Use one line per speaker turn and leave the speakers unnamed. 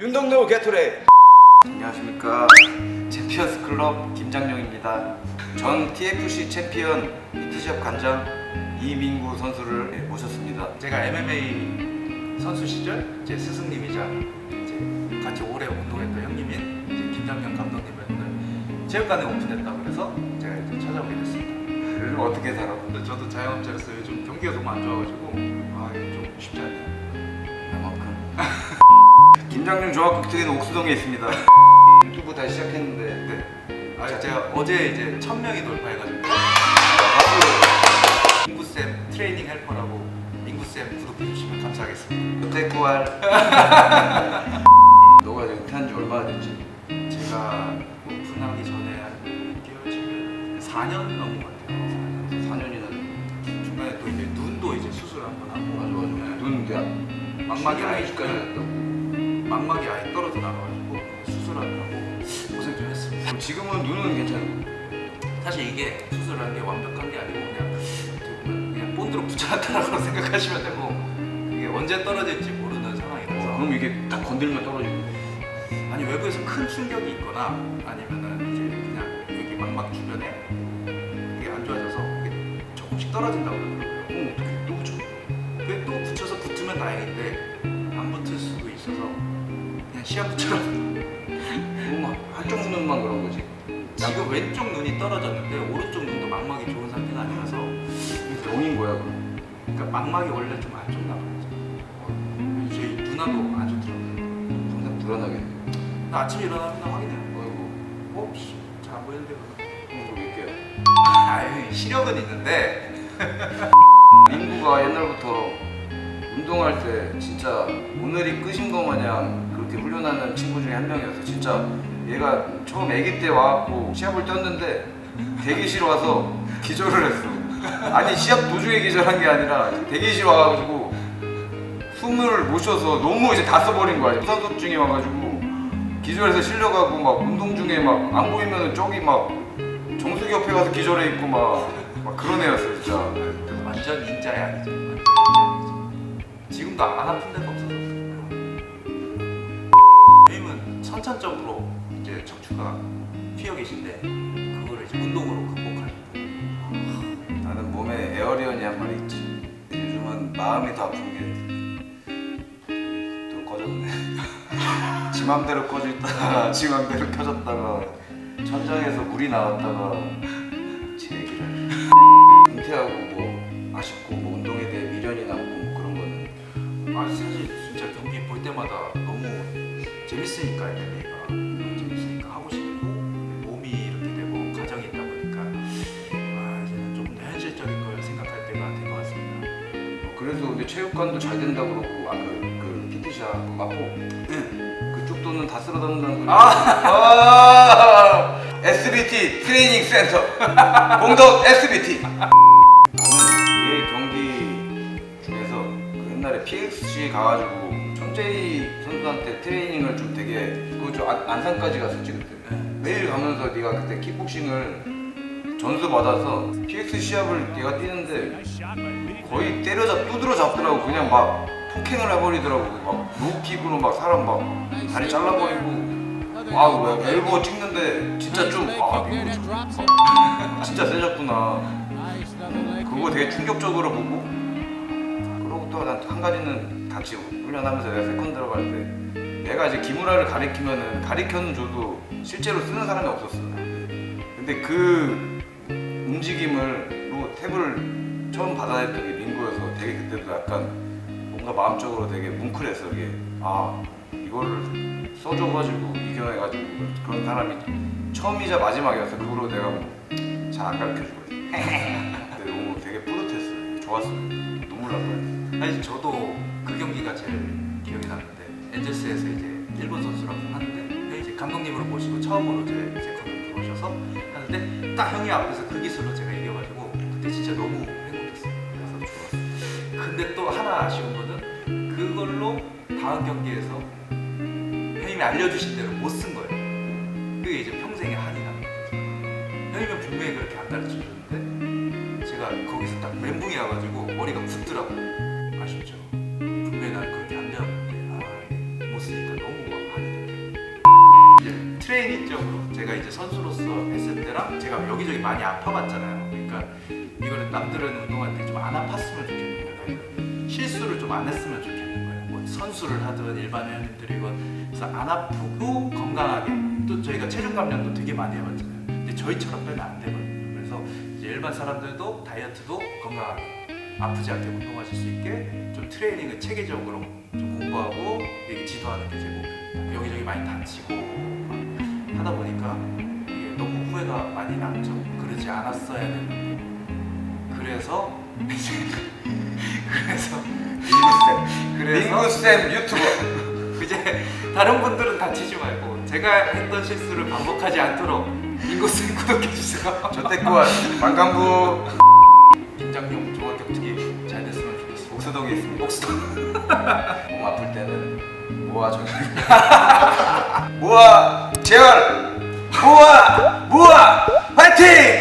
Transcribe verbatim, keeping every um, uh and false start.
윤동노 게토레. 안녕하십니까, 챔피언스 클럽 김장용입니다. 전 티에프씨 챔피언 피티샵 관장 이민구 선수를 모셨습니다.
제가 엠엠에이 선수 시절 제 스승님이자 이제 같이 오래 운동했던 형님인 이제 김장용 감독님을 오늘 체육관에 오픈했다고 그래서 제가 이제 찾아오게 됐습니다.
요즘 어떻게 살아?
근데 저도 자영업자로서 요즘 경기가 너무 안 좋아가지고 아 이게 좀 쉽지 않네요.
나만큼. 김장용 종합격투기는 옥수동에 있습니다. 유튜브 다시 시작했는데
네. 아 제가 어제 이제 천 명이 돌파해가지고 민구쌤 트레이닝 헬퍼라고 민구쌤 구독해주시면 감사하겠습니다.
요테쿠알. 너가 은퇴한 지 얼마나 됐지?
제가 오픈하기 전에 한 육 개월, 칠 개월, 사 년 넘은 것 같아요.
사 년이나 됐네.
중간에 또 이제 눈도 이제 수술 한번 하고
맞아 맞아.
네.
눈 야,
망막이 아예
까지 났다고.
망막이 아예 떨어져 나가가지고 수술하느라고 고생 좀 했습니다.
지금은 눈은 괜찮고.
사실 이게 수술한 게 완벽한 게 아니고 그냥 어떻게 보면 그냥 본드로 붙여놨다라고 생각하시면 되고 이게 언제 떨어질지 모르는 상황이라서.
그럼 이게 딱 건들면 떨어지고.
아니 외부에서 큰 충격이 있거나 아니면은 이제 그냥 여기 망막 주변에 이게 안 좋아져서 이게 조금씩 떨어진다고 그러더라고요.
그럼 어떻게 또 붙여?
그게 또 붙여서 붙으면 다행인데 안 붙을 수도 있어서 그냥 시합처럼
그럼 한쪽 눈만 그런 거지.
지금 왼쪽 눈이 떨어졌는데 오른쪽 눈도 망막이 좋은 상태가 아니라서
병인 거야 그럼.
그러니까 망막이 원래 좀 안 좋나 봐요. 저희 누나도 안 좋더라고요.
항상 불안하게.
나 아침에 일어나면 나 확인해요.
아이고.
어? 잘 안 보이는데 그러면
그럼 몇 개야?
아유 시력은 있는데
민구가 옛날부터 운동할 때 진짜 오늘이 끝인 거 마냥 그렇게 훈련하는 친구 중에 한 명이었어. 진짜 얘가 처음 아기 때 와갖고 시합을 뛰었는데 대기실 와서 기절을 했어. 아니 시합 도중에 기절한 게 아니라 대기실 와가지고 숨을 못 쉬어서 너무 이제 다 써버린 거야. 부산소증이 와가지고 기절해서 실려가고 막 운동 중에 막 안 보이면은 저기 막 정수기 옆에 가서 기절해 있고 막, 막 그런 애였어 진짜.
완전 인자의 아니죠. 완전 인자의 아니죠. 지금도 안 아픈 데가 없어서 선생님은 선천적으로 이제 척추가 휘어 계신데 그거를 이제 운동으로 극복하는.
나는 몸에 에어리언이 한 마리 있지. 요즘은 마음이 더 아픈 게 또 꺼졌네. 지 맘대로 꺼져 있다가 지 맘대로 켜졌다가 천장에서 물이 나왔다가 제 얘기를. 은퇴하고 뭐 아쉽고 뭐 운동에 대해 미련이 남고 뭐 그런 거는.
아 사실 진짜 경기 볼 때마다 너무 재밌으니까 엠엠에이가 재밌으니까 하고 싶고 몸이 이렇게 되고 가정이 있다 보니까 아 이제는 좀 현실적인 걸 생각할 때가 된 것 같습니다.
어, 그래서 근데 체육관도 잘 된다 그러고 아그 그 피티샵 마포 그쪽 돈은 다 쓸어 담는다는 소리. 아! 에스비티 트레이닝 센터 공덕 에스비티. 나는 얘 경기 중에서 그 옛날에 피엑스씨 가가지고 정재희 선수한테 트레이닝을 좀 되게 그저 안산까지 갔었지 그때. 매일 가면서 네가 그때 킥복싱을 전수 받아서 피엑스 시합을 얘가 뛰는데 거의 때려잡 두드러 잡더라고. 그냥 막 폭행을 해버리더라고. 막 로우킥으로 막 사람 막 다리 잘라버리고. 아, 엘보 찍는데 진짜 좀 아, 이거 진짜 세졌구나. 그거 되게 충격적으로 보고. 그러고 또 한 가지는 같이 훈련하면서 내가 세컨 들어갈 때 내가 이제 기무라를 가리키면은 가리켜는 줘도 실제로 쓰는 사람이 없었어. 근데 그 움직임을로 탭을 처음 받아냈던 게 민구여서 되게 그때도 약간 뭔가 마음적으로 되게 뭉클했어. 이게 아 이거를 써줘가지고 이겨내가지고 그런 사람이 처음이자 마지막이었어. 그 후로 내가 뭐 잘 안 가르쳐주고 근데 너무 되게 뿌듯했어. 좋았어. 눈물 날 뻔했어.
사실 저도 그 경기가 제일 기억이 나는데 엔젤스에서 이제 일본 선수랑 하는데 이제 감독님으로 모시고 처음으로 제 세컨을 들어오셔서 하는데 딱 형이 앞에서 그 기술로 제가 이겨가지고 그때 진짜 너무 행복했어요. 그래서 좋았어요. 근데 또 하나 아쉬운 거는 그걸로 다음 경기에서 형님이 알려주신 대로 못 쓴 거예요. 그게 이제 평생의 한이 남는 거죠. 형님은 분명히 그렇게 안 가르쳐 줬는데 제가 거기서 딱 멘붕이 와가지고 머리가 굳더라고요. 아쉽죠. 분명히 난 그렇게 안 배웠는데 아, 못 쓰니까 너무 막 한이 개인적으로 제가 이제 선수로서 했을 때랑 제가 여기저기 많이 아파봤잖아요. 그러니까 이거는 남들은 운동할 때 좀 안 아팠으면 좋겠는 거예요. 실수를 좀 안 했으면 좋겠는 거예요. 뭐 선수를 하든 일반 회원님들이건 그래서 안 아프고 건강하게 또 저희가 체중 감량도 되게 많이 해봤잖아요. 근데 저희처럼 빼면 안 되거든요. 그래서 이제 일반 사람들도 다이어트도 건강하게 아프지 않게 운동하실 수 있게 좀 트레이닝을 체계적으로 좀 공부하고 이게 지도하는 게 제 목표입니다. 여기저기 많이 다치고 막 하다 보니까 이게 너무 후회가 많이 남죠. 그러지 않았어야 했는데. 그래서 이제 그래서
민구쌤
그래서
민구쌤 유튜버
이제 다른 분들은 다치지 말고 제가 했던 실수를 반복하지 않도록 민구쌤 구독해 주세요.
저때꾸와 만강부
김장용 종합격투기 잘 됐으면 좋겠어.
옥수동에 있습니다.
옥수동.
몸 아플 때는 모아 정리 모아 재활 모아 모아 화이팅!